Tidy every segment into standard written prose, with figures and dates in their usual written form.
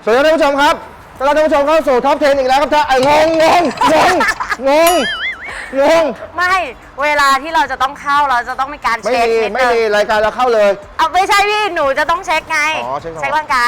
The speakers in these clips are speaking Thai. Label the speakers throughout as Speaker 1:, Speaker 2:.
Speaker 1: สวัสดีท่านผู้ชมครับต้อนรับท่านผู้ชมเข้าสู่ท็อป 10 อีกแล้วครับท่านงง
Speaker 2: ไม่เวลาที่เราจะต้องเข้าเราจะต้องมีการเช็คนิดนึง
Speaker 1: ไม่มีรายการเราเข้าเลย
Speaker 2: เอาไม่ใช่พี่หนูจะต้องเช็คไงเช็คร่างกาย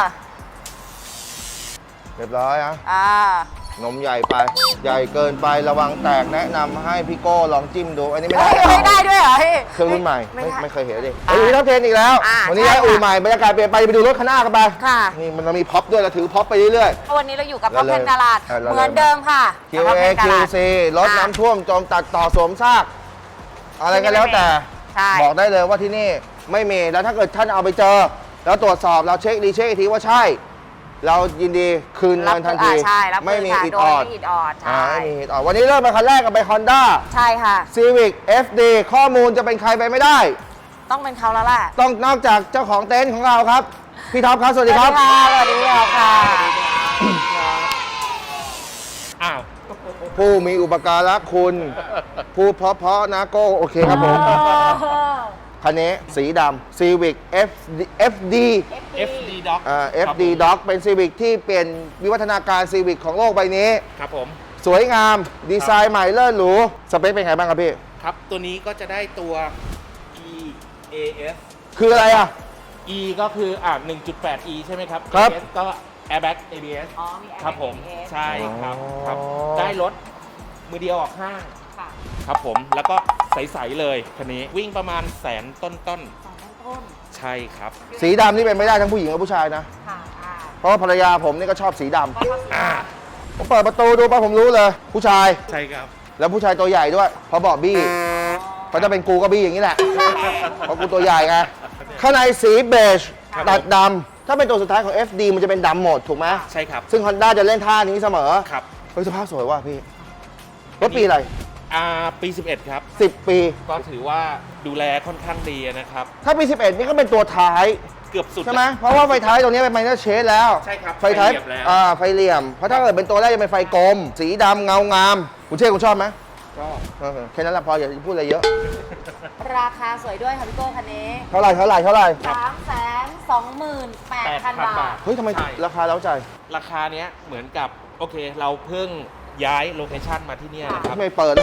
Speaker 1: เรียบร้อยนะนมใหญ่ไปใหญ่เกินไประวังแตกแนะนำให้พี่โก้ลองจิ้มดูอันนี้ไม่ได้
Speaker 2: ไม่ได้ด้วยเหรอพี่
Speaker 1: เครื่องรุ่นใหม่ไม่เคยเห็นดิดูท็อป 10 อีกแล้ววันนี้ย้ายอู่ใหม่บรรยากาศเปลี่ยนไปดูรถข้างหน้ากันไปนี่มันมีพ็อปด้วยเราถือพ็อปไปเรื่อย
Speaker 2: ๆวันนี้เราอยู่กับพ็อปเพนตลาดเหมือนเดิมค่ะ
Speaker 1: QA QC รถน้ำท่วมจมตัดต่อสวมซากอะไรกันแล้วแต่บอกได้เลยว่าที่นี่ไม่มีแล้วถ้าเกิดท่านเอาไปเจอแล้วตรวจสอบเราเช็คดีเช็คอีกทีว่าใช่เรายินดีคืนเงินทันทีไม่มีอิดออดไม่มีอิดออดวันนี้เริ่มมาคันแรกกันไป Honda
Speaker 2: ใช่ค่ะ
Speaker 1: Civic FD ข้อมูลจะเป็นใครไปไม่ได้
Speaker 2: ต้องเป็นเขาแล้วแหละ
Speaker 1: ต้องนอกจากเจ้าของเต็นท์ของเราครับพี่ท็อปครับสวัสดีครับ
Speaker 2: สวัสดีค่ะ
Speaker 1: ผู้มีอุปการะคุณผู้เพราะนะโก้โอเคครับผมคันนี้สีดำ Civic FD
Speaker 3: Dog
Speaker 1: FD Dog เป็น Civic ที่เปลี่ยนวิวัฒนาการ Civic ของโลกใบนี้
Speaker 3: ครับผม
Speaker 1: สวยงามดีไซน์ใหม่เลิศหรูสเปคเป็นไงบ้างครับพี่
Speaker 3: ครับตัวนี้ก็จะได้ตัว EAS
Speaker 1: คืออะไรอ่ะ
Speaker 3: E ก็คือ1.8 E ใช่ไหมครับ
Speaker 1: ครับ
Speaker 3: AS ก็ Airbag ABS ครับผมใช่ครับได้รถมือเดียวออกห้างครับผมแล้วก็ใสๆเลยคันนี้วิ่งประมาณแสนต้นใช่ครับ
Speaker 1: สีดำนี่เป็นไม่ได้ทั้งผู้หญิงและผู้ชายนะเพราะว่าภรรยาผมนี่ก็ชอบสีดำผมเปิดประตูดูไปผมรู้เลยผู้ชาย
Speaker 3: ใช่ครับ
Speaker 1: แล้วผู้ชายตัวใหญ่ด้วยเพราะบอกบี้เขาจะเป็นกูก็บี้อย่างนี้แหละเพราะกูตัวใหญ่ไงข้างในสีเบจตัดดำถ้าเป็นตัวสุดท้ายของ FD มันจะเป็นดำหมดถูกไหม
Speaker 3: ใช่ครับ
Speaker 1: ซึ่ง Honda จะเล่นท่านี้เสมอ
Speaker 3: ครับ
Speaker 1: เฮ้ยสภาพสวยว่ะพี่รถปีอะไร
Speaker 3: ปี 11 ครับ
Speaker 1: 10 ปี
Speaker 3: ก็ถือว่าดูแลค่อนข้างดีนะครับ
Speaker 1: ถ้าปี 11 นี่ก็เป็นตัวท้าย
Speaker 3: เกือบสุด
Speaker 1: ใช่ไหมเพราะว่าไฟท้ายตรงนี้เป็นไมเนอร์เชดแล้ว
Speaker 3: ใช่ครับ
Speaker 1: ไฟท้ายไฟเหลี่ยมเพราะถ้าเกิดเป็นตัวแรกจะเป็นไฟกลมสีดำเงางามคุณเช่คุณชอบไหม
Speaker 3: ชอบ
Speaker 1: แค่นั้นแหละพออย่าพูดอะไรเยอะ
Speaker 2: ราคาสวยด้วยค่ะพี่โก้คันนี้
Speaker 1: เท่าไหร่
Speaker 2: 328,000 บาท
Speaker 1: เฮ้ยทำไมราคาเล้าใจ
Speaker 3: ราคาเนี้ยเหมือนกับโอเคเราเพิ่งย้ายโลเคชั่นมาที่นี่นะครับ
Speaker 1: ไม่เปิด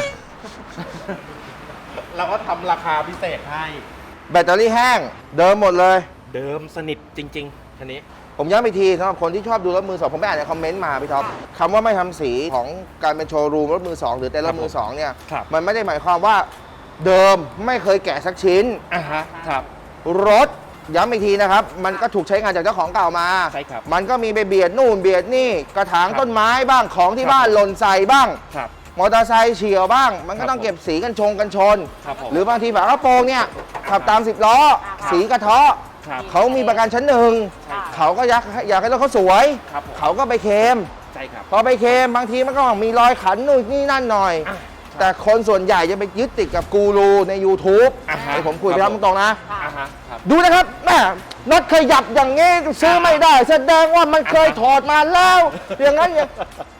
Speaker 3: เราก็ทำราคาพิเศษให้
Speaker 1: แบตเตอรี่แห้งเดิมหมดเลย
Speaker 3: เดิมสนิทจริงๆคันนี้
Speaker 1: ผมย้ำอีกทีสำหรับคนที่ชอบดูรถมือสองผมไปอ่านในคอมเมนต์มาพี่ท็อปคำว่าไม่ทำสีของการเป็นโชว์รูมรถมือสองหรือแต่รถมือสองเนี่ยมันไม่ได้หมายความว่าเดิมไม่เคยแกะสักชิ้น
Speaker 3: ครับ
Speaker 1: รถย้ำอีกทีนะครับมันก็ถูกใช้งานจากเจ้าของเก่ามา
Speaker 3: ใช่ครับ
Speaker 1: มันก็มีไปเบียดนู่นเบียดนี่กระถางต้นไม้บ้างของที่บ้านหล่นใส่บ้างมอเตอร์ไซค์เฉี่ยวบ้างมันก็ต้องเก็บสีกันชนหรือบางทีฝากระโปรงเนี่ยขับตาม10 ล้อสีกระเทาะเขามีประกันชั้นหนึ่งเขาก็อยากให้รถเขาสวยเขาก็ไปเคลมพอไปเคลมบางทีมันก็มีรอยขันนู่นนี่นั่นหน่อยแต่คนส่วนใหญ่จะไปยึดติดกับกูรูใน YouTube ให้ผมคุยไปครับตรงๆนะดูนะครับแม่น็อตขยับอย่างงี้ซื้อไม่ได้แสดงว่ามันเคยถอดมาแล้วอย่างนั้นอย่าง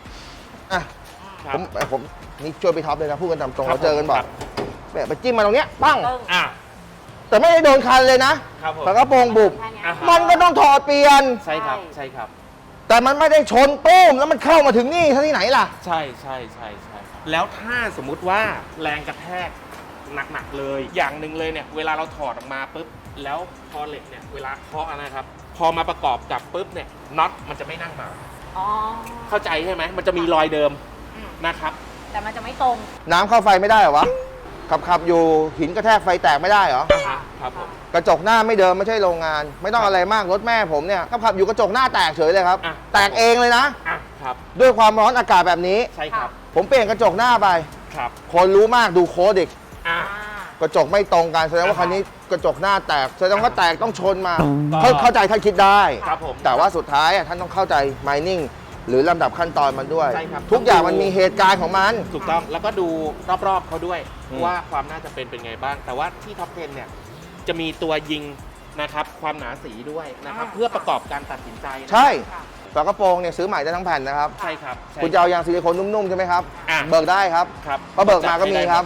Speaker 1: ผมนี่ช่วยไปท็อปเลยนะพูดกันตามตรงเราเจอกันบ่อยแบบไปจิ้มมาตรงเนี้ยปั้งแต่ไม่ได้โดนคันเลยนะฝากระโปรงบุบมันก็ต้องถอดเปลี่ยน
Speaker 3: ใช่ครับใช่ครับ
Speaker 1: แต่มันไม่ได้ชนตุ้มแล้วมันเข้ามาถึงนี่ที่ไหนล่ะ
Speaker 3: ใช่แล้วถ้าสมมุติว่าแรงกระแทกหนักๆเลยอย่างหนึ่งเลยเนี่ยเวลาเราถอดออกมาปุ๊บแล้วพอเหล็กเนี่ยเวลาเคาะนะครับพอมาประกอบกับปุ๊บเนี่ยน็อตมันจะไม่นั่งมาเข้าใจใช่ไหมมันจะมีรอยเดิมนะครับ
Speaker 2: แต่มันจะไม่ตรง
Speaker 1: น้ำเข้าไฟไม่ได้เหรอวะขับอยู่หินกระแทกไฟแตกไม่ได้เหรอ
Speaker 3: ครับผม
Speaker 1: กระจกหน้าไม่เดิมไม่ใช่โรงงานไม่ต้องอะไรมากรถแม่ผมเนี่ยขับอยู่กระจกหน้าแตกเฉยเลยครับแตกเองเลยนะครับด้วยความร้อนอากาศแบบนี้
Speaker 3: ใช่ครับ
Speaker 1: ผมเปลี่ยนกระจกหน้าไป
Speaker 3: ครับ
Speaker 1: คนรู้มากดูโค้ดเด็กกระจกไม่ตรงกันแสดงว่าคันนี้กระจกหน้าแตกแสดงว่าแตกต้องชนมาเข้าใจท่านคิดได้แต่ว่าสุดท้ายท่านต้องเข้าใจ mining หรือลำดับขั้นตอนมันด้วยทุกอย่างมันมีเหตุการณ์ของมัน
Speaker 3: ถูกต้องแล้วก็ดูรอบๆเขาด้วยว่าความน่าจะเป็นไงบ้างแต่ว่าที่ท็อป 10 เนี่ยจะมีตัวยิงนะครับความหนาสีด้วยนะครับเพื่อประกอบการตัดสินใจ
Speaker 1: ใช่ฝากระโปรงเนี่ยซื้อใหม่ได้ทั้งแผ่นนะครับ
Speaker 3: ใช่ครับ
Speaker 1: คุณจะเอายางซิลิโคนนุ่มๆใช่ไหมครับเบิกได้ครับเพราะเบิกมาก็มีครับ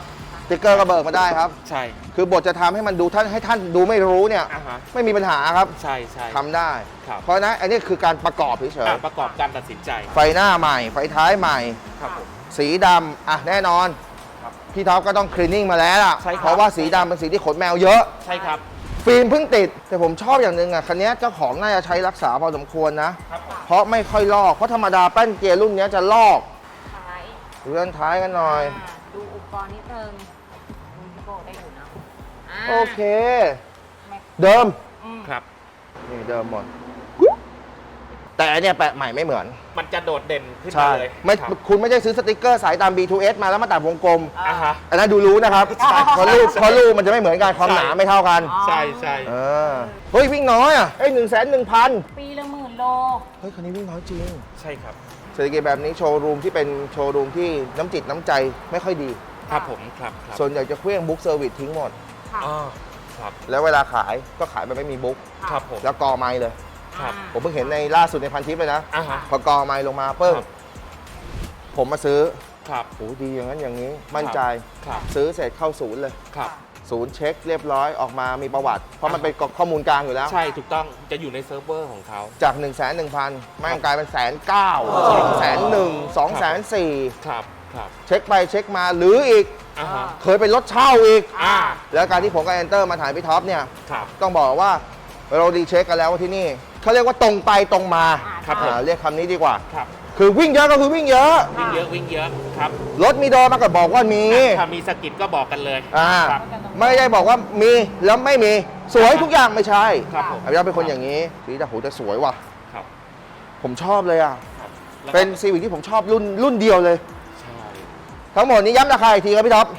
Speaker 1: สติ๊กเกอร์ก็เบิกมาได้ครับ
Speaker 3: ใช่
Speaker 1: คือบทจะทำให้มันดูให้ท่านดูไม่รู้เนี่ย
Speaker 3: อ่าฮะ
Speaker 1: ไม่มีปัญหาครับ
Speaker 3: ใช่ใช่
Speaker 1: ทำได้
Speaker 3: ครับ
Speaker 1: เพราะฉะนั้นอันนี้คือการประกอบเฉย
Speaker 3: ประกอบการตัดสินใจ
Speaker 1: ๆไฟหน้าใหม่ ไฟท้ายใหม่
Speaker 3: ครับผม
Speaker 1: สีดำอ่ะแน่นอน
Speaker 3: ครับ
Speaker 1: พี่ท็อปก็ต้องคลีนนิ่งมาแล้วล่ะ
Speaker 3: ใช่ครับ
Speaker 1: เพราะว่าสีดำเป็นสีที่ขนแมวเยอะ
Speaker 3: ใช่ครับ
Speaker 1: ฟิล์มเพิ่งติด แต่ผมชอบอย่างหนึ่งอ่ะคันนี้เจ้าของน่าจะใช้รักษาพอสมควรนะ
Speaker 3: ครับผม
Speaker 1: เพราะไม่ค่อยลอก เพราะธรรมดาแป้นเกียร์รุ่นนี้จะลอก
Speaker 2: ท้าย
Speaker 1: ดูด้านท้ายกันหน่อย
Speaker 2: ดูอุปกรณ์นิดนึงพี่โก้ได้อยู่นะา
Speaker 1: โอเค
Speaker 2: ไม่
Speaker 1: เดิม
Speaker 3: ครับ
Speaker 1: นี่เดิมหมด แต่อันเนี่ยแปะใหม่ไม่เหมือน
Speaker 3: มันจะโดดเด่นขึ้น
Speaker 1: ใช่
Speaker 3: มาเลย
Speaker 1: ไม่
Speaker 3: ครับ
Speaker 1: คุณไม่ได้ซื้อสติกเกอร์สายตาม B2S มาแล้วมาตัดวงกลม
Speaker 3: อ่าฮะ
Speaker 1: อันนั้นดูรู้นะครับ
Speaker 3: ใช่
Speaker 1: เพราะรูปมันจะไม่เหมือนกัน ความหนาไม่เท่ากัน
Speaker 2: อ๋อ
Speaker 3: ใช่ใช่
Speaker 1: เออ เฮ้ย วิ่งน้อยอ่ะ 1,100,000
Speaker 2: ปีละ10,000 โล
Speaker 1: เฮ้ย คันนี้วิ่งน้อยจริง
Speaker 3: ใช่ครับ
Speaker 1: เศรษฐกิจแบบนี้โชว์รูมที่เป็นโชว์รูมที่น้ำจิตน้ำใจไม่ค่อยดี
Speaker 3: ครับผมครับครับ
Speaker 1: ส่วนใหญ่จะเคลื่องบุ๊กเซอร์วิสทิ้งหมด
Speaker 2: ค่ะ
Speaker 3: อ๋อครับ
Speaker 1: แล้วเวลาขายก็ขายแบบไม่มีบุ๊ก
Speaker 3: ครับผม
Speaker 1: แล้วกอไม้เลย
Speaker 3: ครับ
Speaker 1: ผมเพิ่งเห็นในล่าสุดในพันทิปเลยนะ
Speaker 3: อ่าฮะ
Speaker 1: พอกอไม้ลงมาเพิ่ม
Speaker 3: ครับ
Speaker 1: ผมมาซื้อ
Speaker 3: ครับ
Speaker 1: โอ้ดีอย่างนั้นอย่างนี้ มั่นใจ
Speaker 3: ครับ
Speaker 1: ซื้อเสร็จเข้าศูนย์เลย
Speaker 3: ครับ
Speaker 1: ศูนย์เช็คเรียบร้อยออกมามีประวัติ เพราะมันเป็นข้อมูลกลางอยู่แล้ว
Speaker 3: ใช่ถูกต้องจะอยู่ในเซิร์ฟเวอร์ของเขา
Speaker 1: จาก 1,100,000แม่งกลายเป็น1,900,000 2,100,000 2,400,000
Speaker 3: ครับครับ
Speaker 1: เช็คไปเช็คมาหรืออีก
Speaker 3: อ่าฮะ
Speaker 1: เคยเป็นรถเช่าอีก
Speaker 3: อ่า
Speaker 1: แล้วการที่ผมกับแอนเตอร์มาถ่ายพี่ท็อปเนี่ย
Speaker 3: ครับ
Speaker 1: ต้องบอกว่าเราดีเช็คกันแล้วว่าที่นี่เขาเรียกว่าตรงไปตรงมา
Speaker 3: ครับผม
Speaker 1: เรียกคำนี้ดีกว่า
Speaker 3: ครับ
Speaker 1: คือวิ่งเยอะก็คือวิ่งเยอะ
Speaker 3: วิ่งเยอะวิ่งเยอะครับ
Speaker 1: รถมีโดนมาก็บอกว่ามี
Speaker 3: ถ้ามีสกิดก็บอกกันเลย ครับ
Speaker 1: ไม่ได้บอกว่ามีแล้วไม่มีสวยทุกอย่างไม่ใช่
Speaker 3: ครับผม
Speaker 1: อภิรักษ์เป็นคนอย่างนี้สีแต่โหจะสวยว่ะ
Speaker 3: ครับ
Speaker 1: ผมชอบเลยอ่ะ
Speaker 3: ครับแล้วก็
Speaker 1: เป็นซีวิกที่ผมชอบรุ่นเดียวเลย
Speaker 3: ใช่
Speaker 1: ทั้งหมดนี้ย้ำราคาอีกทีครับพี่ท็อป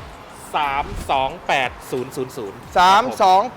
Speaker 3: 328000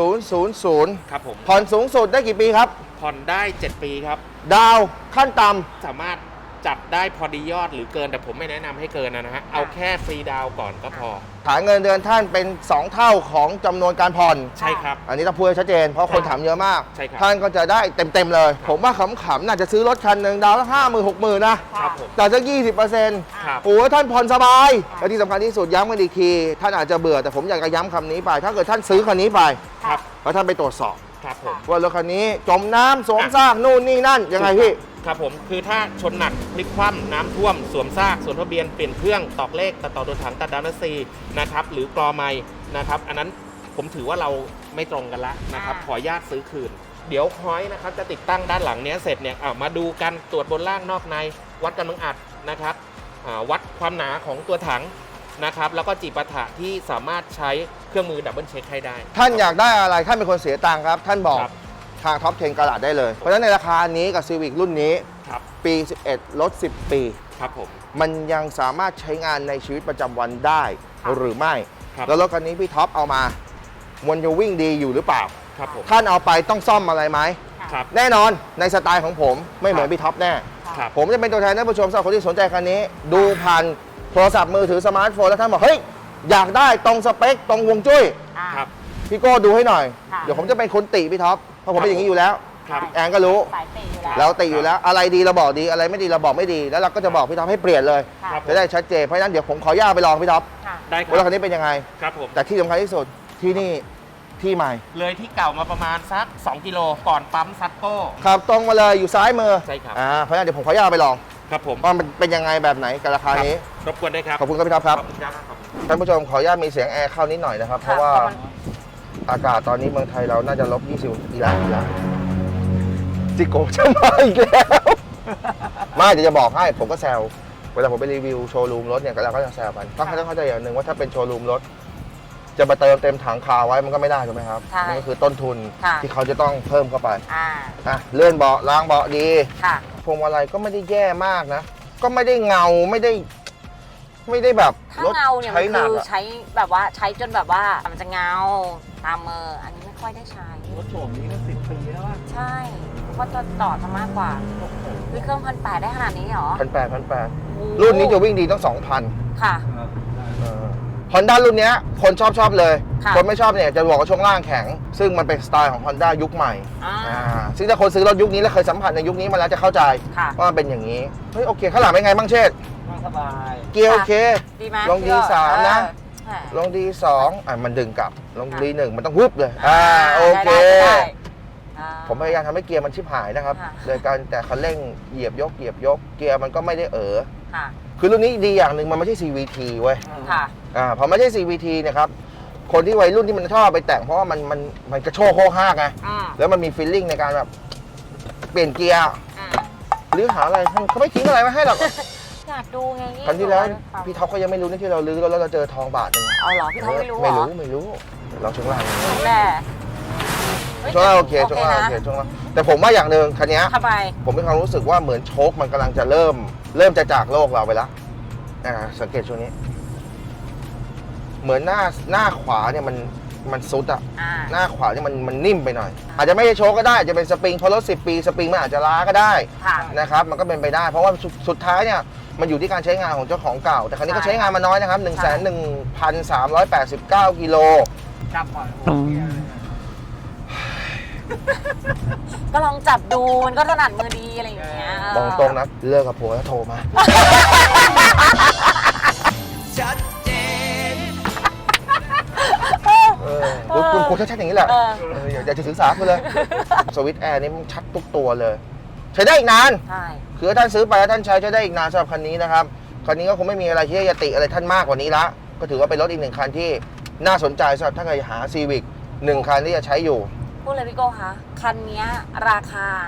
Speaker 1: 328,000
Speaker 3: ครับผม
Speaker 1: ผ่อนสูงสุดได้กี่ปีครับ
Speaker 3: ผ่อนได้ 7 ปีครับ
Speaker 1: ดาวขั้นต่
Speaker 3: สามารถจัดได้พอดียอดหรือเกินแต่ผมไม่แนะนำให้เกินนะฮะ เอาแค่ฟรีดาวน์ก่อนก็พอ
Speaker 1: ำฐานเงินเดือนท่านเป็น 2 เท่าของจำนวนการผ่อน
Speaker 3: ใช่ครับ
Speaker 1: อันนี้ต้องพูดให้ชัดเจน เพราะคนถามเยอะมาก
Speaker 3: ใช่ครับ
Speaker 1: ท่านก็จะได้เต็มๆเลย ผมว่าขำๆน่าจะซื้อรถคันหนึ่งดาวละ50,000 60,000 นะครับ
Speaker 3: ผม
Speaker 1: แต่สัก20%
Speaker 3: ครับ
Speaker 1: โอ้ยท่านผ่อนสบาย และที่สำคัญที่สุดย้ำกันอีกที ท่านอาจจะเบื่อแต่ผมอยากจะย้ำคำนี้ไป ถ้าเกิดท่านซื้อคันนี้ไป
Speaker 3: ครับ
Speaker 1: แล้วท่านไปตรวจสอบ
Speaker 3: ครับผม
Speaker 1: ว่ารถคันนี้จมน้ำสวมซากนู่นนี่นั่นยังไงพี่
Speaker 3: ครับผมคือถ้าชนหนักพลิกคว่ำน้ำท่วมสวมซากสวมทะเบียนเปลี่ยนเครื่องตอกเลขตัดต่อโดนถังตัดดาวน์ซีนะครับหรือกรอไม้นะครับอันนั้นผมถือว่าเราไม่ตรงกันละนะครับขออนุญาตซื้อคืน เดี๋ยวฮอยนะครับจะติดตั้งด้านหลังเนี้ยเสร็จเนี่ยมาดูกันตรวจบนล่างนอกในวัดกำลังอัดนะครับวัดความหนาของตัวถังนะครับแล้วก็จีปาถะที่สามารถใช้เครื่องมือดับเบิลเช็คให้ได้
Speaker 1: ท่านอยากได้อะไรท่านเป็นคนเสียตังค์ครับ ท่านบอก
Speaker 3: ครับ
Speaker 1: ทางท็อป10กระดาษได้เลย เพราะฉะนั้นในราคานี้กับซีวิกรุ่นนี้
Speaker 3: ครับ
Speaker 1: ปี 11 ลด 10 ปี
Speaker 3: ครับผม
Speaker 1: มันยังสามารถใช้งานในชีวิตประจำวันได้
Speaker 3: ครับ
Speaker 1: หรือไม่
Speaker 3: ครับ
Speaker 1: แล้วรถคันนี้พี่ท็อปเอามามันจะวิ่งดีอยู่หรือเปล่า
Speaker 3: ครับผม
Speaker 1: ท่านเอาไปต้องซ่อมอะไรไหม
Speaker 3: ครับ
Speaker 1: แน่นอนในสไตล์ของผมไม่เหมือนพี่ท็อปแน่
Speaker 3: ครับ
Speaker 1: ผมจะเป็นตัวแทนท่านผู้ชมสำหรับคนที่สนใจคันนี้ ดูผ่านโทรศัพท์มือถือสมาร์ทโฟนแล้วท่านบอกเฮ้ยอยากได้ตรงสเปคตรงวงจุ้ย
Speaker 3: ครับ
Speaker 1: พี่โก้ดูให้หน่อย
Speaker 2: ค่ะ
Speaker 1: เดี๋ยวผมจะเป็นคนติพี่ท็อปเพราะผมเป็นอย่างนี้อยู่แล้ว
Speaker 3: ครับ
Speaker 1: แอนก็รู้
Speaker 2: สายเตะอยู่แล้ว
Speaker 1: เราติอยู่แล้วอะไรดีเราบอกดีอะไรไม่ดีเราบอกไม่ดี แล้วเราก็จะบอกพี่ท็อปให้เปลี่ยนเลย
Speaker 2: ค่ะ
Speaker 3: ครับ
Speaker 1: จะได้ชัดเจนเพราะฉะนั้นเดี๋ยวผมขออนุญาตไปลองพี่ท็อป
Speaker 2: ค่ะ
Speaker 3: ได้ค
Speaker 1: ว่ารถ
Speaker 3: รับ
Speaker 1: คันนี้เป็นยังไง
Speaker 3: ครับผม
Speaker 1: แต่ที่สำคัญที่สุดที่นี่ที่ใหม่
Speaker 3: เลยที่เก่ามาประมาณสัก 2 กิโลก่อนปั๊มซัตโก้
Speaker 1: ขับตรงมาเลยอยู่ซ้ายมือ
Speaker 3: ใช่ครับ
Speaker 1: เพราะฉะนั้นเดี๋ยวผมขออนุญาตไปลอง
Speaker 3: ครับผม
Speaker 1: ว่ามันเป็นยังไงแบบไหนกับราคานี้
Speaker 3: รบกวนได้ครับ
Speaker 1: ขอบคุณครับพี่ท็อปครับ
Speaker 3: ขอบคุณครับขอบคุณ
Speaker 1: ท่านผู้ชมขออนุญาตมีเสียงแอร์เข้านิดหน่อยนะครับ เพราะว่าอากาศตอนนี้เมืองไทยเราน่าจะลบ20อีกแล้วจิโกะจะมาอีกแล้ว ไม่เดี๋ยวจะบอกให้ผมก็แซวเวลาผมไปรีวิวโชว์รูมรถเนี่ยเราก็จะแซวกันต้องเข้าใจอย่างหนึ่งว่าถ้าเป็นโชว์รูมรถจะมาเติมเต็มถังคาไว้มันก็ไม่ได้ถูกไหมครับ
Speaker 2: ใช่
Speaker 1: มันก็คือต้นทุน
Speaker 2: ค่ะ
Speaker 1: ที่เขาจะต้องเพิ่มเข้าไป
Speaker 2: อ่า
Speaker 1: เลื่อนเบาะล้างเบาะดี
Speaker 2: ค่ะ
Speaker 1: พวงมาลัยก็ไม่ได้แย่มากนะ ก็ไม่ได้เงาไม่ได้แบบ
Speaker 2: ถ้าร
Speaker 1: ถ
Speaker 2: เงาเนี่ย
Speaker 1: ใช้
Speaker 2: มัน
Speaker 1: หนัก
Speaker 2: คือ
Speaker 1: อะ
Speaker 2: ใช้แบบว่าใช้จนแบบว่ามันจะเงาตามมืออันนี้ไม่ค่อยได้ใช้
Speaker 3: รถโฉมนี้ก็10 ปีแล้วอะ
Speaker 2: ใช่เพราะตัวต่อจะมากกว่าวิเครื่อง1,800ได้ขนาดนี้เหรอ
Speaker 1: 1,800 รุ่นนี้จะวิ่งดีต้อง 2,000
Speaker 2: ค่ะ
Speaker 1: Honda รุ่นเนี้ยคนชอบเลย
Speaker 2: ค่ะ
Speaker 1: คนไม่ชอบเนี่ยจะบอกว่าช่วงล่างแข็ง ซึ่งมันเป็นสไตล์ของ Honda ยุคใหม่
Speaker 2: อ่า
Speaker 1: ซึ่งถ้าคนซื้อรถยุคนี้แล้วเคยสัมผัสในยุคนี้มาแล้วจะเข้าใจ
Speaker 2: ค่ะ
Speaker 1: ว่ามันเป็นอย่างนี้ เฮ้ยโอเค ข้างหลังเป็นไงบ้างเชษฐ์
Speaker 3: นั่งสบาย
Speaker 1: เกียร์โอเค
Speaker 2: ดีไหม
Speaker 1: ลอง D3 นะ
Speaker 2: ค่ะ
Speaker 1: ลงดี2มันดึงกลับลงดี1มันต้องวุบเลยโอเค
Speaker 2: ได้
Speaker 1: ผมพยายามทำให้เกียร์มันชิบหายนะครับ
Speaker 2: ค่ะ
Speaker 1: โดยการแต่คันเร่งเหยียบยกเกียร์มันก็ไม่ได้
Speaker 2: ค่ะ
Speaker 1: คือรุ่นนี้ดีอย่างหนึ่งมันไม่ใช่ CVT เว้ย
Speaker 2: ค่ะ
Speaker 1: พอไม่ใช่ CVT เนะครับคนที่วัยรุ่นที่มันชอบไปแต่งเพราะว่ามันกระโชกโคกห้ากไง แล้วมันมีฟีลลิ่งในการแบบเปลี่ยนเกียร์หรือหาอะไรเขาไม่ทิ้งอะไรไว้ให้หรอก
Speaker 2: อยากดูไง
Speaker 1: ครั้งที่แล้วพี่ท็อปก็ยังไม่รู้นะที่เราลื้อแล้วเราเจอทองบาทนึง
Speaker 2: เอาเหรอพี่ท็อปไม่รู้เหรอ
Speaker 1: ไม่รู้เราช่วงล่าง
Speaker 2: แน่
Speaker 1: ช่วงล่างโอเคช่วงล่างโอเคช่วงล่างแต่ผมว่าอย่างหนึ่งคันนี้
Speaker 2: ทำไม
Speaker 1: ผมมีความรู้สึกว่าเหมือนโชคมันกำลังจะเริ่มจะจากโลกเราไปแล้วสังเกตช่วงนี้ เหมือนหน้าขวาเนี่ยมันซุดอะหน้าขวาเนี่ยมันนิ่มไปหน่อย อาจจะไม่ใช่โชคก็ได้อาจจะเป็นสปริงเพราะรถ10 ปีสปริงมันอาจจะล้าก็ได้นะครับมันก็เป็นไปได้ เพราะว่าสุดท้ายเนี่ยมันอยู่ที่การใช้งานของเจ้าของเก่าแต่ครั้นี้ก็ใช้งานมาน้อยนะครับ 1,389 กิโล
Speaker 3: จับก่อน
Speaker 2: ก็ลองจับดูมันก็ถนัดมือดีอะไรอย่างเงี้ย
Speaker 1: บอกตรงนะเลิกกับผัวแล้วโทรมา
Speaker 4: ชัดเจน
Speaker 1: คุณครูชัดๆอย่างนี้แหละอยากจะศึกษาคุณเลยสวิตช์แอร์นี่มันชัดทุกตัวเลย ใช้ได้อีกนาน
Speaker 2: ใช่
Speaker 1: คือถ้าท่านซื้อไปแล้วท่านใช้ได้อีกนานสำหรับคันนี้นะครับคันนี้ก็คงไม่มีอะไรที่จะติอะไรท่านมากกว่านี้ละก็ถือว่าเป็นรถอีกหนึ่งคันที่น่าสนใจสำหรับถ้าใครหา Civic 1 คันที่จะใช้อยู่
Speaker 2: พูดเลยพี่โก้คะคันนี้ราคา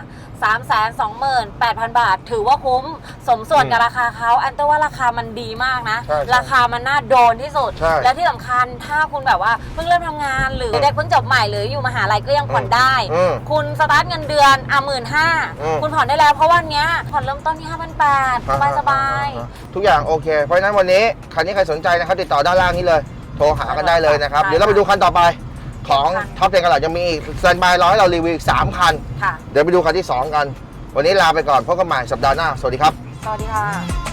Speaker 2: 328,000 บาท ถือว่าคุ้มสมส่วนกับราคาเขาอันแต่ว่าราคามันดีมากนะ ราคามันน่าโดนที่สุด และที่สำคัญถ้าคุณแบบว่าเพิ่งเริ่มทำงานหรือเด็กเพิ่งจบใหม่หรืออยู่มหาลัยก็ยังผ่อนได้ คุณสตาร์ทเงินเดือน15,000คุณผ่อนได้แล้วเพราะวันนี้ผ่อนเริ่มต้นที่ 5,800 สบายๆ
Speaker 1: ทุกอย่างโอเคเพราะฉะนั้นวันนี้คันนี้ใครสนใจนะครับติดต่อด้านล่างนี้เลยโทรหากันได้เลยนะครับเดี๋ยวเราไปดูคันต่อไปของท็อปเทนกันหลังจะมีอีกสแตนด์บายรอให้เรารีวิวอีก3 คันเดี๋ยวไปดูคันที่ 2 กัน วันนี้ลาไปก่อนพบกันใหม่สัปดาห์หน้าสวัสดีครับ
Speaker 2: สวัสดีค่ะ